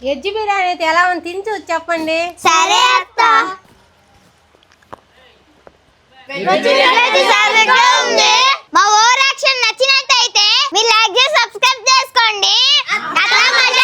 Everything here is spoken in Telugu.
వెజ్ బిర్యానీ అయితే ఎలా ఉంది తిని చూసి చెప్పండి. సరే అత్త. మా ఓవర్ యాక్షన్ నచ్చినట్టయితే మీరు లైక్ చేసి సబ్స్క్రైబ్ చేసుకోండి.